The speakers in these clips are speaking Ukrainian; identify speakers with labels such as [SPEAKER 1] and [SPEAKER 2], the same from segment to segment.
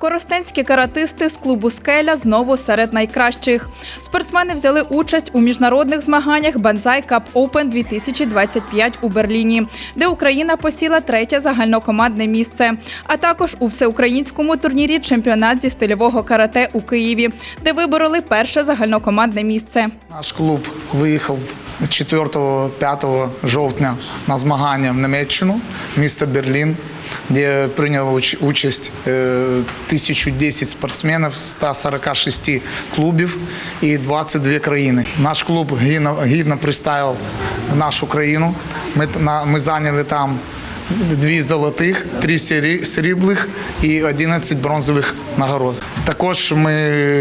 [SPEAKER 1] Коростенські каратисти з клубу «Скеля» знову серед найкращих. Спортсмени взяли участь у міжнародних змаганнях «Банзай Кап Оупен 2025» у Берліні, де Україна посіла 3-те загальнокомандне місце, а також у всеукраїнському турнірі «Чемпіонат зі стильового карате» у Києві, де вибороли 1-те загальнокомандне місце.
[SPEAKER 2] Наш клуб виїхав 4-5 жовтня на змагання в Німеччину, місто Берлін, де прийняло участь 1010 спортсменів з 146 клубів і 22 країни. Наш клуб гідно представив нашу країну. Ми зайняли там 2 золотих, 3 срібних і 11 бронзових нагород. Також ми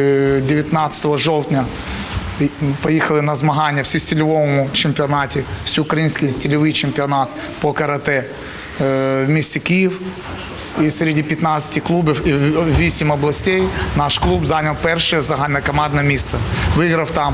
[SPEAKER 2] 19 жовтня поїхали на змагання в всестильовому чемпіонаті, всеукраїнський стильовий чемпіонат по карате в місті Київ. І серед 15 клубів і 8 областей наш клуб зайняв 1-те загальнокомандне місце. Виграв там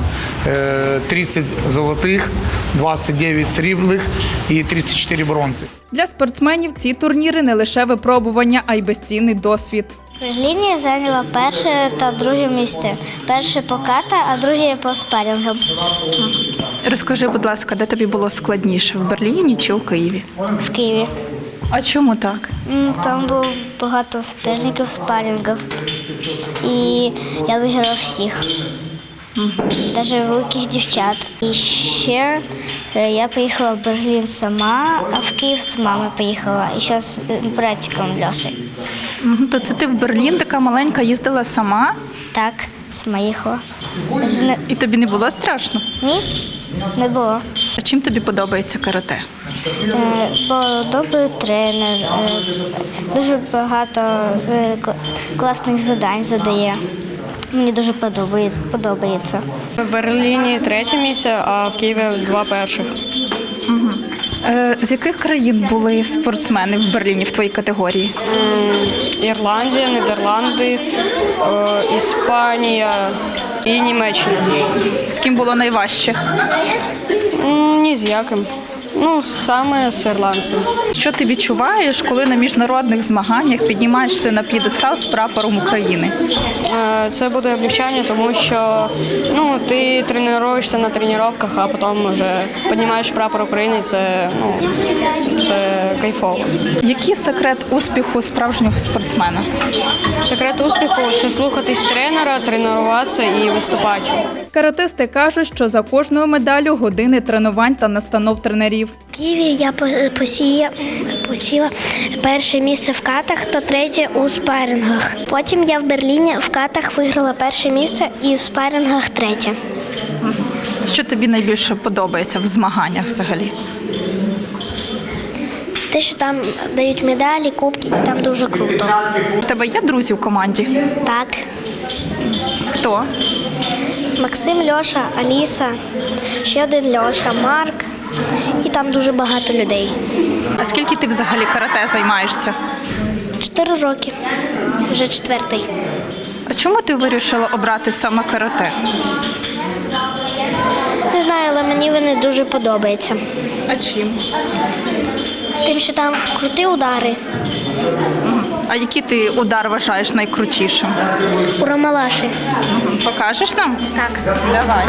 [SPEAKER 2] 30 золотих, 29 срібних і 34 бронзи.
[SPEAKER 1] Для спортсменів ці турніри не лише випробування, а й безцінний досвід.
[SPEAKER 3] В Берліні я зайняла 1-е та 2-е місце. 1-е по ката, а 2-е по спарінгам.
[SPEAKER 4] Розкажи, будь ласка, де тобі було складніше, в Берліні чи у Києві?
[SPEAKER 3] В Києві.
[SPEAKER 4] А чому так?
[SPEAKER 3] Там було багато суперників, спарінгів. І я виграла всіх. Навіть великих дівчат. І ще я поїхала в Берлін сама, а в Київ з мамою поїхала. І ще з братиком Льошею.
[SPEAKER 4] То це ти в Берлін така маленька їздила сама?
[SPEAKER 3] Так, сама їхала.
[SPEAKER 4] І тобі не було страшно?
[SPEAKER 3] Ні, не було.
[SPEAKER 4] А чим тобі подобається карате?
[SPEAKER 3] Бо добрий тренер, дуже багато класних завдань задає. Мені дуже подобається.
[SPEAKER 5] В Берліні 3-те місце, а в Києві 2 перших.
[SPEAKER 4] З яких країн були спортсмени в Берліні в твоїй категорії?
[SPEAKER 5] Ірландія, Нідерланди, Іспанія і Німеччина.
[SPEAKER 4] З ким було найважче?
[SPEAKER 5] Ні з яким. Саме з ірландцем.
[SPEAKER 4] Що ти відчуваєш, коли на міжнародних змаганнях піднімаєшся на п'єдестал з прапором України?
[SPEAKER 5] Це буде облегчання, тому що ти тренуєшся на тренуваннях, а потім вже піднімаєш прапор України, це кайфово.
[SPEAKER 4] Який секрет успіху справжнього спортсмена?
[SPEAKER 5] Секрет успіху – це слухатись тренера, тренуватися і виступати.
[SPEAKER 1] Каратисти кажуть, що за кожною медаллю години тренувань та настанов тренерів.
[SPEAKER 3] В Києві я посіла 1-е місце в катах та 3-е у спарингах. Потім я в Берліні в катах виграла 1-е місце і в спарингах 3-е.
[SPEAKER 4] Що тобі найбільше подобається в змаганнях взагалі?
[SPEAKER 3] Те, що там дають медалі, кубки, і там дуже круто.
[SPEAKER 4] У тебе є друзі в команді?
[SPEAKER 3] Так.
[SPEAKER 4] Хто?
[SPEAKER 3] Максим, Льоша, Аліса, ще один Льоша, Марк. І там дуже багато людей.
[SPEAKER 4] А скільки ти взагалі карате займаєшся?
[SPEAKER 3] 4 роки. Вже 4-й.
[SPEAKER 4] А чому ти вирішила обрати саме карате?
[SPEAKER 3] Не знаю, але мені вони дуже подобаються.
[SPEAKER 4] А чим?
[SPEAKER 3] Тим, що там круті удари.
[SPEAKER 4] А який ти удар вважаєш найкрутішим?
[SPEAKER 3] У Ромалаші.
[SPEAKER 4] Покажеш нам?
[SPEAKER 3] Так.
[SPEAKER 4] Давай.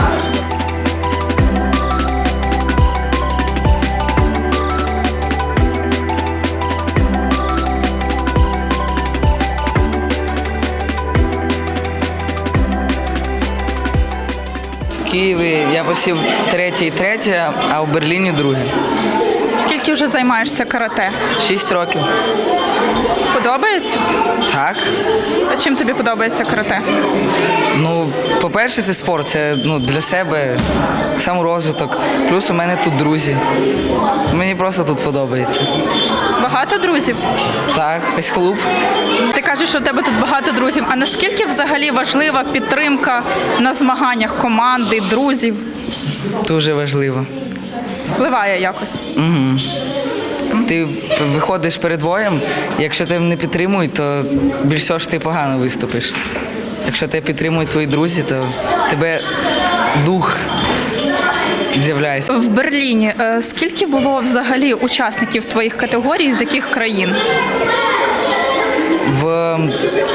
[SPEAKER 6] В Києві я посів 3-те і 3-те, а в Берліні 2-е.
[SPEAKER 4] Скільки вже займаєшся карате?
[SPEAKER 6] 6 років.
[SPEAKER 4] Подобається?
[SPEAKER 6] Так.
[SPEAKER 4] А чим тобі подобається карате?
[SPEAKER 6] По-перше, це спорт, це для себе саморозвиток. Плюс у мене тут друзі. Мені просто тут подобається.
[SPEAKER 4] Багато друзів?
[SPEAKER 6] Так, ось клуб.
[SPEAKER 4] Ти кажеш, що у тебе тут багато друзів. А наскільки взагалі важлива підтримка на змаганнях команди, друзів?
[SPEAKER 6] Дуже важливо.
[SPEAKER 4] Впливає якось?
[SPEAKER 6] Угу. Ти виходиш перед боєм, якщо тебе не підтримують, то більш всього ж ти погано виступиш. Якщо тебе підтримують твої друзі, то тебе дух з'являється.
[SPEAKER 4] В Берліні скільки було взагалі учасників твоїх категорій, з яких країн?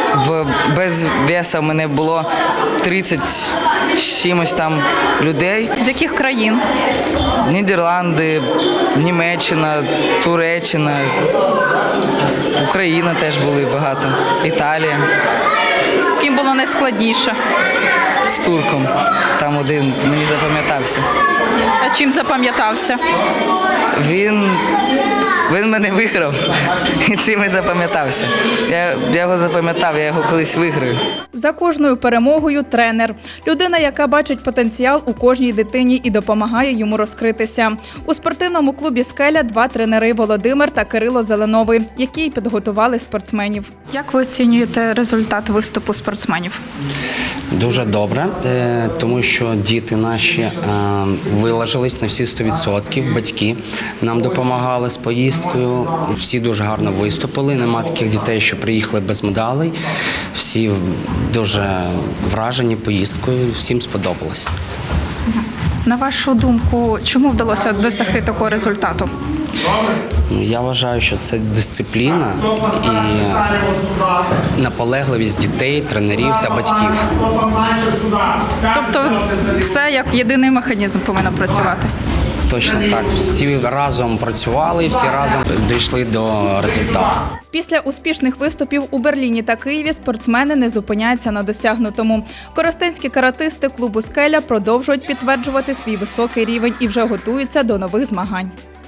[SPEAKER 6] без веса в мене було 30 з чимось там людей.
[SPEAKER 4] З яких країн?
[SPEAKER 6] Нідерланди, Німеччина, Туреччина, Україна теж були багато, Італія.
[SPEAKER 4] З ким було найскладніше?
[SPEAKER 6] З турком. Там один мені запам'ятався.
[SPEAKER 4] А чим запам'ятався?
[SPEAKER 6] Він мене виграв і цим і запам'ятався. Я його запам'ятав, я його колись виграю.
[SPEAKER 1] За кожною перемогою тренер – людина, яка бачить потенціал у кожній дитині і допомагає йому розкритися. У спортивному клубі «Скеля» 2 тренери – Володимир та Кирило Зеленови, які й підготували спортсменів.
[SPEAKER 4] Як ви оцінюєте результат виступу спортсменів?
[SPEAKER 7] Дуже добре, тому що діти наші вилажились на всі 100%, батьки нам допомагали з поїздкою, всі дуже гарно виступили, нема таких дітей, що приїхали без медалей, всі дуже вражені поїздкою, всім сподобалось.
[SPEAKER 4] На вашу думку, чому вдалося досягти такого результату?
[SPEAKER 7] Я вважаю, що це дисципліна і наполегливість дітей, тренерів та батьків.
[SPEAKER 4] Тобто все як єдиний механізм повинно працювати?
[SPEAKER 7] Точно так. Всі разом працювали, всі разом дійшли до результату.
[SPEAKER 1] Після успішних виступів у Берліні та Києві спортсмени не зупиняються на досягнутому. Коростенські каратисти клубу «Скеля» продовжують підтверджувати свій високий рівень і вже готуються до нових змагань.